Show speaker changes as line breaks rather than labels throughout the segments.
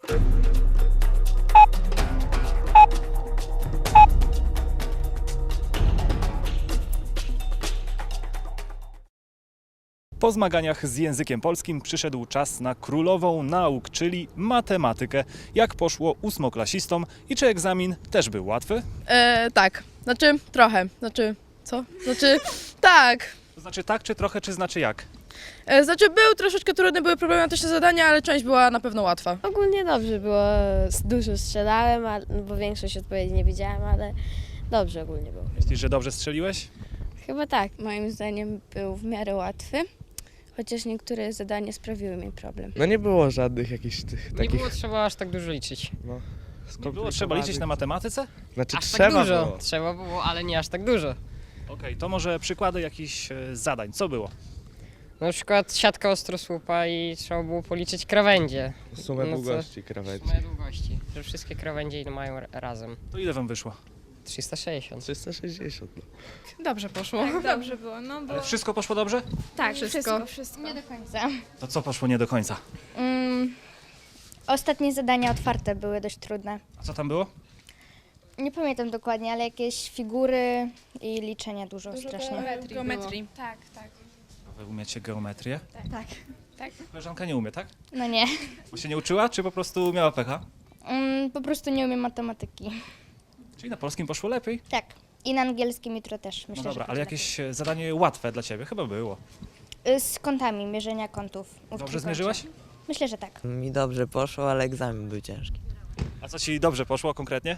Po zmaganiach z językiem polskim przyszedł czas na królową nauk, czyli matematykę. Jak poszło ósmoklasistom i czy egzamin też był łatwy?
Tak, znaczy trochę, co? Tak.
To znaczy tak, czy trochę, czy znaczy jak?
Znaczy był troszeczkę trudny, były problematyczne zadania, ale część była na pewno łatwa.
Ogólnie dobrze było, dużo strzelałem, bo większość odpowiedzi nie widziałem, ale dobrze ogólnie było.
Myślisz, że dobrze strzeliłeś?
Chyba tak.
Moim zdaniem był w miarę łatwy, chociaż niektóre zadania sprawiły mi problem.
No nie było żadnych jakichś tych
Nie
takich
było trzeba aż tak dużo liczyć.
Nie było trzeba liczyć na matematyce?
Znaczy
Aż
trzeba
tak dużo.
było.
Trzeba było, ale nie aż tak dużo.
Okej, to może przykłady jakichś zadań. Co było?
Na przykład siatka ostrosłupa i trzeba było policzyć krawędzie.
Sumę
No co?
długości krawędzi.
Moje długości, że wszystkie krawędzie ile mają razem.
To ile wam wyszło?
360.
360. No.
Dobrze poszło.
Tak, dobrze było, no bo...
Ale wszystko poszło dobrze?
Tak,
wszystko.
wszystko.
Nie do końca.
To co poszło nie do końca?
Ostatnie zadania otwarte były dość trudne.
A co tam było?
Nie pamiętam dokładnie, ale jakieś figury i liczenia dużo strasznie.
Geometrii.
Tak, tak.
Wy umiecie geometrię?
Tak.
Koleżanka nie umie, tak?
No nie.
Bo się nie uczyła, czy po prostu miała pecha?
Po prostu nie umiem matematyki.
Czyli na polskim poszło lepiej?
Tak. I na angielskim jutro też myślę,
No dobra,
że
ale
będzie
jakieś zadanie łatwe dla ciebie? Chyba było.
lepiej. Z kątami, mierzenia kątów. w
Dobrze
trójkącie.
zmierzyłaś?
Myślę, że tak.
Mi dobrze poszło, ale egzamin był ciężki.
A co ci dobrze poszło konkretnie?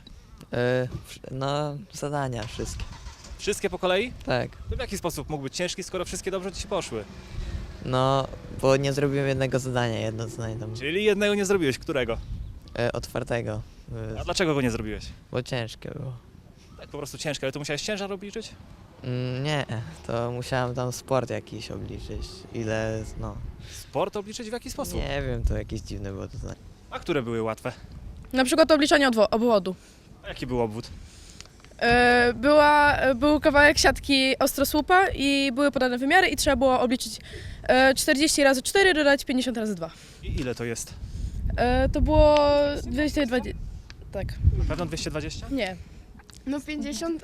No, zadania wszystkie.
Wszystkie po kolei?
Tak.
To w jaki sposób mógł być ciężki, skoro wszystkie dobrze ci poszły?
No, bo nie zrobiłem jednego zadania, jedno zadanie tam
Czyli jednego nie zrobiłeś, którego?
otwartego,
A dlaczego go nie zrobiłeś?
bo ciężkie było.
Tak po prostu ciężkie, ale to musiałeś ciężar obliczyć?
Nie, to musiałem tam sport jakiś obliczyć. Ile, no,
Sport obliczyć w jaki sposób?
nie wiem, to jakieś dziwne było to zadanie.
A które były łatwe?
Na przykład obliczenie obwodu.
A jaki był obwód?
Był kawałek siatki ostrosłupa i były podane wymiary i trzeba było obliczyć 40 razy 4, dodać 50 razy 2.
I ile to jest?
To było 220. Tak.
Na pewno 220?
Nie.
No 50...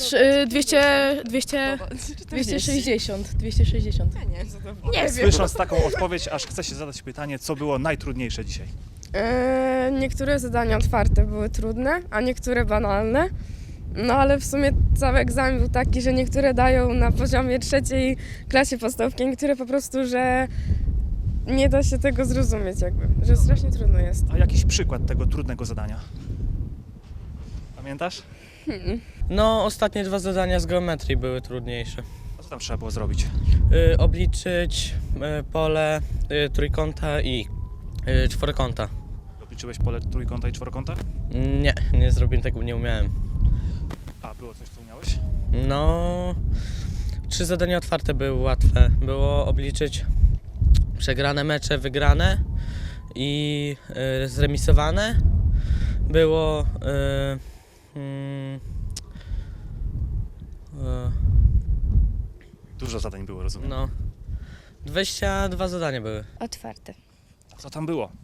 260. 260.
Nie wiem.
Słysząc taką odpowiedź, aż chce się zadać pytanie, co było najtrudniejsze dzisiaj?
Niektóre zadania otwarte były trudne, a niektóre banalne. No ale w sumie cały egzamin był taki, że niektóre dają na poziomie 3. klasie podstawówki, niektóre po prostu, że nie da się tego zrozumieć jakby, że strasznie trudno jest.
A jakiś przykład tego trudnego zadania? Pamiętasz?
No, ostatnie 2 zadania z geometrii były trudniejsze.
A co tam trzeba było zrobić?
Obliczyć pole trójkąta i czworokąta.
Obliczyłeś pole trójkąta i czworokąta?
Nie zrobiłem tego, nie umiałem.
A, było coś, co umiałeś?
No, 3 zadania otwarte były łatwe. Było obliczyć przegrane mecze, wygrane i zremisowane. Było
Dużo zadań było, rozumiem.
no, 22 zadania były.
Otwarte.
A co tam było?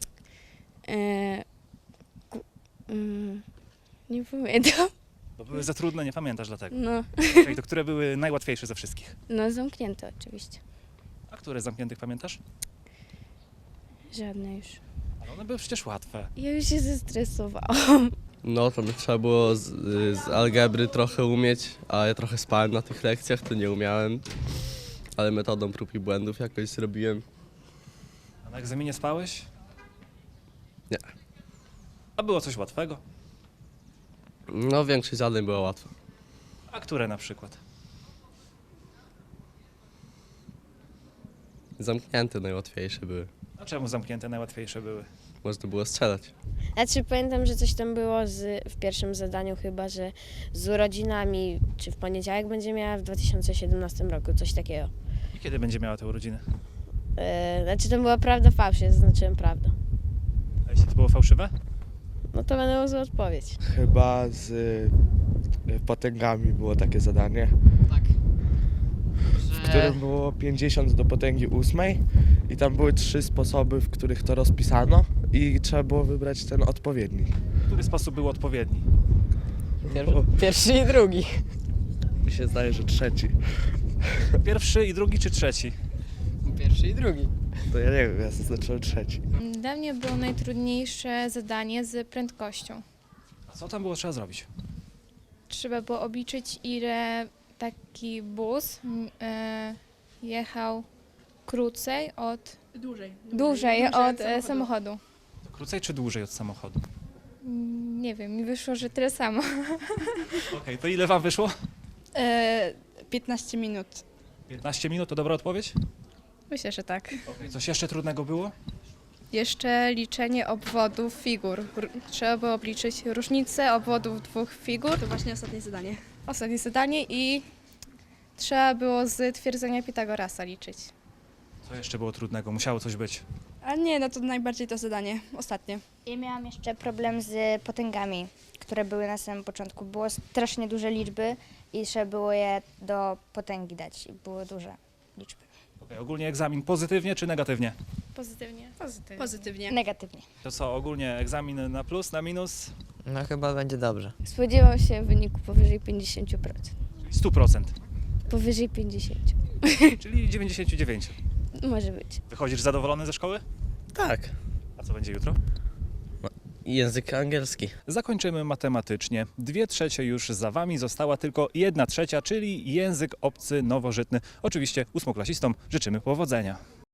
Nie pamiętam.
Bo były za trudne, nie pamiętasz dlatego.
No,
Czyli to które były najłatwiejsze ze wszystkich?
no zamknięte oczywiście.
A które z zamkniętych pamiętasz?
Żadne już.
Ale one były przecież łatwe.
Ja już się zestresowałam.
No to trzeba było z algebry trochę umieć, a ja trochę spałem na tych lekcjach, to nie umiałem. Ale metodą prób i błędów jakoś zrobiłem.
A na egzaminie spałeś?
Nie.
A było coś łatwego?
No większość zadań była łatwa.
A które na przykład?
Zamknięte najłatwiejsze były.
A czemu zamknięte najłatwiejsze były?
Można było strzelać.
Znaczy pamiętam, że coś tam było w pierwszym zadaniu chyba, że z urodzinami, czy w poniedziałek będzie miała w 2017 roku, coś takiego.
I kiedy będzie miała te urodziny?
Znaczy to była prawda, fałsz, ja zaznaczyłem prawdę.
A jeśli to było fałszywe?
No to będę zła odpowiedź.
Chyba z potęgami było takie zadanie.
Tak.
w którym było 50 do potęgi 8 i tam były 3 sposoby, w których to rozpisano i trzeba było wybrać ten odpowiedni.
Który sposób był odpowiedni?
Pierwszy i drugi.
Mi się zdaje, że trzeci.
Pierwszy i drugi czy trzeci?
Pierwszy i drugi.
To ja nie wiem, ja zaznaczyłem trzeci.
Dla mnie było najtrudniejsze zadanie z prędkością.
A co tam było trzeba zrobić?
Trzeba było obliczyć, ile taki bus jechał krócej od... Dłużej od samochodu.
To krócej czy dłużej od samochodu?
Nie wiem, mi wyszło, że tyle samo.
Okej, to ile wam wyszło?
15 minut.
15 minut to dobra odpowiedź?
Myślę, że tak.
Okej, coś jeszcze trudnego było?
Jeszcze liczenie obwodów figur. Trzeba było obliczyć różnicę obwodów dwóch figur.
To właśnie ostatnie zadanie.
Ostatnie zadanie i trzeba było z twierdzenia Pitagorasa liczyć.
Co jeszcze było trudnego? Musiało coś być.
A nie, no to najbardziej to zadanie, ostatnie.
Ja miałam jeszcze problem z potęgami, które były na samym początku. Było strasznie duże liczby i trzeba było je do potęgi dać. I były duże liczby.
Okej, ogólnie egzamin pozytywnie czy negatywnie?
Pozytywnie.
Pozytywnie.
Negatywnie.
To co, ogólnie egzamin na plus, na minus?
No chyba będzie dobrze.
Spodziewał się wyniku powyżej 50%.
Czyli 100%,
Powyżej 50.
czyli 99.
Może być.
Wychodzisz zadowolony ze szkoły?
Tak.
A co będzie jutro?
Język angielski.
Zakończymy matematycznie. 2/3 już za wami, została tylko 1/3, czyli język obcy nowożytny. Oczywiście ósmoklasistom życzymy powodzenia.